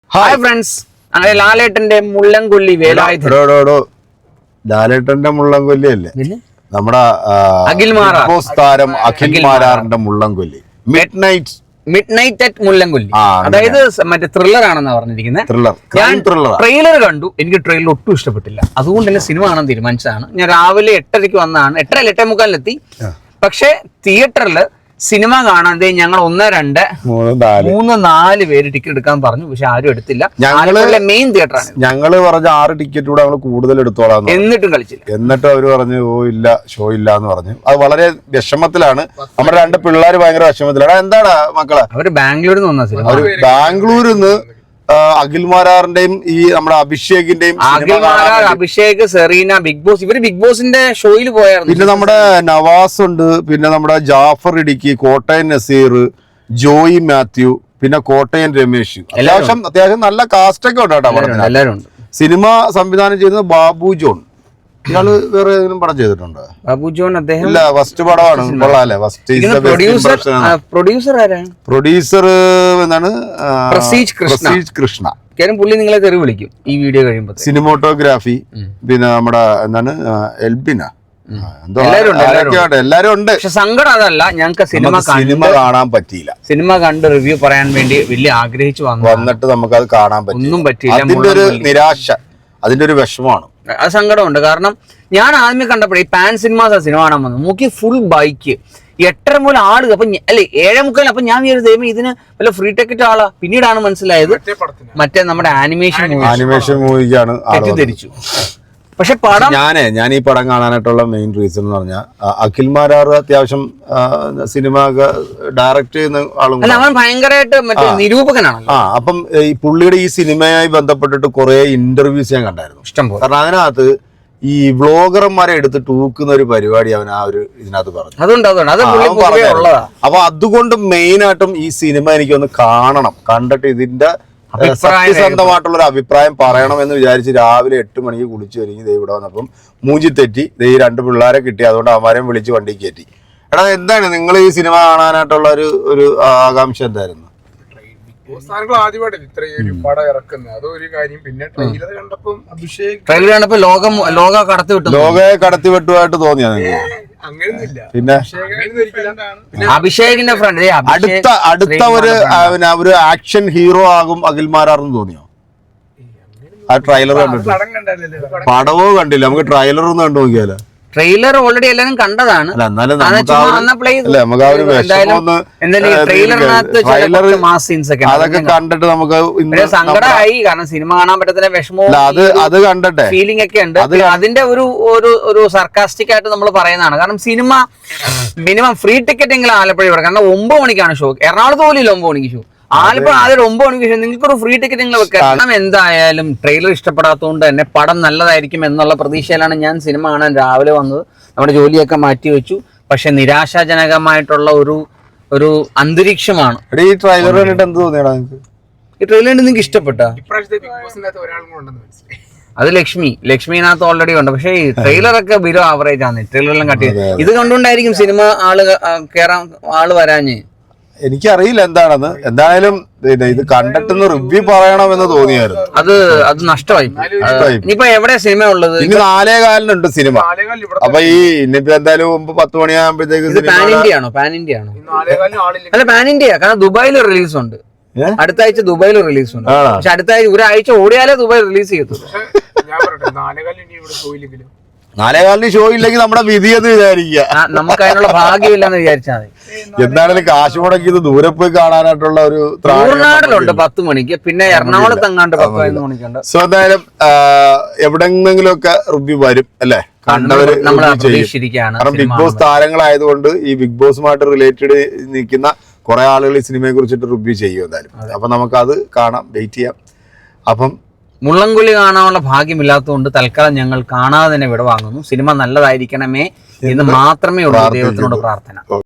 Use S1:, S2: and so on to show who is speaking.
S1: Hi friends, അങ്ങനെ ലാലേട്ടന്റെ മുള്ളൻകൊല്ലി വേലായുധൻ.
S2: ലാലേട്ടന്റെ മുള്ളൻകൊല്ലി അല്ലേ നമ്മുടെ താരം അഖിൽ മാരാറിന്റെ Mullankolli 
S1: midnight at Mullankolli. അതായത് മറ്റേ ത്രില്ലർ ആണെന്നാ പറഞ്ഞിരിക്കുന്നത്. ഞാൻ ട്രെയിലർ കണ്ടു, എനിക്ക് ട്രെയിലർ ഒട്ടും ഇഷ്ടപ്പെട്ടില്ല. അതുകൊണ്ട് തന്നെ സിനിമ കാണാൻ തീരുമാനിച്ചതാണ്. ഞാൻ രാവിലെ 8:30 വന്നതാണ്, 8:30 8:45 പക്ഷെ തിയേറ്ററിൽ സിനിമ കാണാതെ ഞങ്ങൾ 1, 2, 3, 4 പേര് ടിക്കറ്റ് എടുക്കാൻ പറഞ്ഞു. പക്ഷെ ആരും എടുത്തില്ല. ഞങ്ങളുടെ മെയിൻ തിയേറ്ററാണ്.
S2: ഞങ്ങള് പറഞ്ഞ 6 ടിക്കറ്റ് കൂടെ ഞങ്ങൾ കൂടുതൽ എടുത്തോളാം,
S1: എന്നിട്ടും കളിച്ചില്ല.
S2: എന്നിട്ട് അവര് പറഞ്ഞു ഇല്ല, ഷോ ഇല്ല എന്ന് പറഞ്ഞു. അത് വളരെ വിഷമത്തിലാണ്. നമ്മുടെ 2 പിള്ളേർ ഭയങ്കര വിഷമത്തിലാണ്. എന്താണ് മക്കളെ?
S1: അവര് ബാംഗ്ലൂരിൽ നിന്ന് വന്ന സിനിമ.
S2: അവര് ബാംഗ്ലൂരിൽ നിന്ന് അഖിൽ മാരാറിന്റെയും ഈ നമ്മുടെ അഭിഷേകിന്റെയും
S1: അഭിഷേക്, സെറീന, ബിഗ് ബോസ്, ഇവര് ബിഗ് ബോസിന്റെ ഷോയിൽ പോയായിരുന്നു.
S2: പിന്നെ നമ്മുടെ നവാസ് ഉണ്ട്, പിന്നെ നമ്മുടെ ജാഫർ ഇടുക്കി, കോട്ടയം നസീർ, ജോയി മാത്യു, പിന്നെ കോട്ടയം രമേശ്. അത്യാവശ്യം നല്ല കാസ്റ്റൊക്കെ ഉണ്ട് കേട്ടോ.
S1: എല്ലാവരും ഉണ്ട്.
S2: സിനിമ സംവിധാനം ചെയ്യുന്നത് ബാബു ജോൺ. ഇയാള് വേറെ ഏതെങ്കിലും പടം ചെയ്തിട്ടുണ്ടോ?
S1: ബാബു ജോൺ അദ്ദേഹം
S2: ഇല്ല, ഫസ്റ്റ് പടമാണ്. കൊള്ളാല്ലേ? പ്രൊഡ്യൂസർ എന്താണ്? പ്രസീജ് കൃഷ്ണ.
S1: പുള്ളി നിങ്ങളെ തെറി വിളിക്കും ഈ വീഡിയോ കഴിയുമ്പോൾ.
S2: സിനിമോട്ടോഗ്രാഫി, പിന്നെ നമ്മുടെ എന്താണ് എൽബിന, എല്ലാരും ഉണ്ട്.
S1: പക്ഷെ സങ്കടം അതല്ല, ഞങ്ങൾക്ക് സിനിമ
S2: കാണാൻ പറ്റിയില്ല.
S1: സിനിമ കണ്ട് റിവ്യൂ പറയാൻ വേണ്ടി വലിയ ആഗ്രഹിച്ചു വന്നിട്ട്
S2: നമുക്ക് അത് കാണാൻ പറ്റില്ല.
S1: ഒന്നും പറ്റിയില്ല.
S2: അതിന്റെ ഒരു നിരാശ, അതിന്റെ ഒരു വിഷമമാണ്.
S1: അത് സങ്കടമുണ്ട്. കാരണം ഞാൻ ആദ്യമേ കണ്ടപ്പോഴേ ഈ പാൻ സിനിമാസ് സിനിമ കാണാൻ വന്നു, നോക്കി ഫുൾ ബൈക്ക് 8:30 മുതൽ ആള്. അപ്പൊ അല്ലെ 7:45. അപ്പൊ ഞാൻ വിചാരിച്ചു ഇതിന് വല്ല ഫ്രീ ടിക്കറ്റ് ആളാ. പിന്നീടാണ് മനസ്സിലായത് മറ്റേ നമ്മുടെ ആനിമേഷൻ
S2: മൂവിക്കാണ്
S1: തെറ്റിദ്ധരിച്ചു. പക്ഷെ പടം
S2: ഞാൻ ഈ പടം കാണാനായിട്ടുള്ള മെയിൻ റീസൺ എന്ന് പറഞ്ഞാൽ അഖിൽ മാരാർ അത്യാവശ്യം സിനിമ ഡയറക്ട് ചെയ്യുന്ന ആളും
S1: അല്ല, അവൻ ഭയങ്കരമായിട്ട് മറ്റേ നിരൂപകനാണ്.
S2: അപ്പം ഈ പുള്ളിയുടെ ഈ സിനിമയായി ബന്ധപ്പെട്ടിട്ട് കുറെ ഇന്റർവ്യൂസ് ഞാൻ കണ്ടായിരുന്നു, ഇഷ്ടംപോലെ. കാരണം അതിനകത്ത് ഈ വ്ളോഗർമാരെ എടുത്ത് തൂക്കുന്ന ഒരു പരിപാടി അവൻ ആ ഒരു ഇതിനകത്ത് പറഞ്ഞു. അപ്പൊ അതുകൊണ്ട് മെയിൻ ആയിട്ടും ഈ സിനിമ എനിക്കൊന്ന് കാണണം, കണ്ടിട്ട് ഇതിന്റെ സത്യസന്ധമായിട്ടുള്ള ഒരു അഭിപ്രായം പറയണം എന്ന് വിചാരിച്ച് രാവിലെ 8 മണിക്ക് കുളിച്ചു ഒരുങ്ങി ഇവിടെ വന്നപ്പം മൂഞ്ചി തെറ്റി. ഈ 2 പിള്ളേരെ കിട്ടി, അതുകൊണ്ട് അവന്മാരെയും വിളിച്ച് വണ്ടി കയറ്റി. എടാ, എന്താണ് നിങ്ങൾ ഈ സിനിമ കാണാനായിട്ടുള്ള ഒരു ആകാംക്ഷ എന്തായിരുന്നു? ലോകയെ കടത്തിവിട്ടുമായിട്ട് തോന്നിയാ പിന്നെ
S1: അഭിഷേകിന്റെ ഫ്രണ്ട്
S2: അടുത്ത ഒരു ആക്ഷൻ ഹീറോ ആകും അഖിൽ മാരാറെന്ന് തോന്നിയോ? ആ ട്രെയിലർ കണ്ടിട്ട്? പടവോ കണ്ടില്ല, നമുക്ക് ട്രെയിലർ ഒന്ന് കണ്ടു നോക്കിയാലോ?
S1: ട്രെയിലർ ഓൾറെഡി എല്ലാരും കണ്ടതാണ്.
S2: അതൊക്കെ കണ്ടിട്ട് നമുക്ക്
S1: സങ്കടമായി. കാരണം സിനിമ കാണാൻ പറ്റത്തില്ല, വിഷമവും
S2: അത് കണ്ടിട്ടെ
S1: ഫീലിംഗ് ഒക്കെ ഉണ്ട്. അതിന്റെ ഒരു സർക്കാസ്റ്റിക് ആയിട്ട് നമ്മൾ പറയുന്നതാണ്. കാരണം സിനിമ മിനിമം ഫ്രീ ടിക്കറ്റ് എങ്കിലും ആലപ്പുഴ ഇവിടെ. കാരണം 9 മണിക്കാണ് ഷോ. എറണാകുളത്ത് പോലും ഇല്ല 9 മണിക്ക് ഷോ. ആലപ്പുഴ ആദ്യം 9 മണിക്ക് ശേഷം നിങ്ങൾക്കൊരു ഫ്രീ ടിക്കറ്റ് നിങ്ങൾ വെക്കാം. കാരണം എന്തായാലും ട്രെയിലർ ഇഷ്ടപ്പെടാത്തതുകൊണ്ട് തന്നെ പടം നല്ലതായിരിക്കും എന്നുള്ള പ്രതീക്ഷയിലാണ് ഞാൻ സിനിമ കാണാൻ രാവിലെ വന്നത്. നമ്മുടെ ജോലിയൊക്കെ മാറ്റി വെച്ചു. പക്ഷെ നിരാശാജനകമായിട്ടുള്ള ഒരു അന്തരീക്ഷമാണ്.
S2: ഈ ട്രെയിലർ കണ്ടിട്ട് എന്ത് തോന്നിയാ?
S1: ഈ ട്രെയിലർ നിങ്ങൾക്ക് ഇഷ്ടപ്പെട്ട? അത് ലക്ഷ്മിനകത്ത് ഓൾറെഡി ഉണ്ട്. പക്ഷേ ഈ ട്രെയിലറൊക്കെ ബിലോ ആവറേജ് ആണ്. ട്രെയിലറെല്ലാം കട്ടി. ഇത് കണ്ടുകൊണ്ടായിരിക്കും സിനിമ ആള് വരാഞ്ഞ്.
S2: എനിക്കറിയില്ല എന്താണെന്ന്. എന്തായാലും ഇത് കണ്ടിട്ട് റിവ്യൂ പറയണമെന്ന് തോന്നിയായിരുന്നു.
S1: അത് നഷ്ടമായി. ഇനിയിപ്പോ എവിടെ സിനിമ ഉള്ളത്?
S2: ഇനി 4:15 സിനിമ. അപ്പൊ ഈ ഇനിയിപ്പോ എന്തായാലും 10 മണിയാകുമ്പോഴത്തേക്ക്
S1: പാൻ ഇന്ത്യ ആണോ? അല്ല, പാൻ ഇന്ത്യ. കാരണം ദുബായിൽ റിലീസ് ഉണ്ട്. അടുത്ത ആഴ്ച ദുബായിൽ റിലീസ് ഉണ്ട്. പക്ഷെ അടുത്ത ആഴ്ച ഒരാഴ്ച ഓടിയാലേ ദുബായ് റിലീസ് ചെയ്യത്തുള്ളൂ.
S2: 4:15 ഷോ ഇല്ലെങ്കിൽ നമ്മുടെ വിധി എന്ന് വിചാരിക്കുക.
S1: നമുക്ക് അതിനുള്ള ഭാഗ്യമില്ലെന്ന് വിചാരിച്ചാൽ മതി.
S2: എന്തായാലും കാശ് മുടക്കിയത് ദൂരെ പോയി കാണാനായിട്ടുള്ള ഒരു
S1: തമിഴ്നാട്ടിലുണ്ട് 10 മണിക്ക്, പിന്നെ എറണാകുളത്ത് എങ്ങാണ്ട് 11 മണിക്കുണ്ട്.
S2: സോ എന്തായാലും എവിടെന്നെങ്കിലും ഒക്കെ റിവ്യൂ വരും അല്ലെ, കണ്ടവര്. കാരണം ബിഗ് ബോസ് താരങ്ങളായതുകൊണ്ട് ഈ ബിഗ് ബോസുമായിട്ട് റിലേറ്റഡ് നിൽക്കുന്ന കുറെ ആളുകൾ ഈ സിനിമയെ കുറിച്ചിട്ട് റിവ്യൂ ചെയ്യും എന്തായാലും. അപ്പൊ നമുക്കത് കാണാം, വെയിറ്റ് ചെയ്യാം. അപ്പം
S1: മുള്ളൻകൊല്ലി കാണാനുള്ള ഭാഗ്യമില്ലാത്തതുകൊണ്ട് തൽക്കാലം ഞങ്ങൾ കാണാതെ തന്നെ വിടവാങ്ങുന്നു. സിനിമ നല്ലതായിരിക്കണമേ എന്ന് മാത്രമേ ഉള്ളൂ ദൈവത്തിനോട് പ്രാർത്ഥന.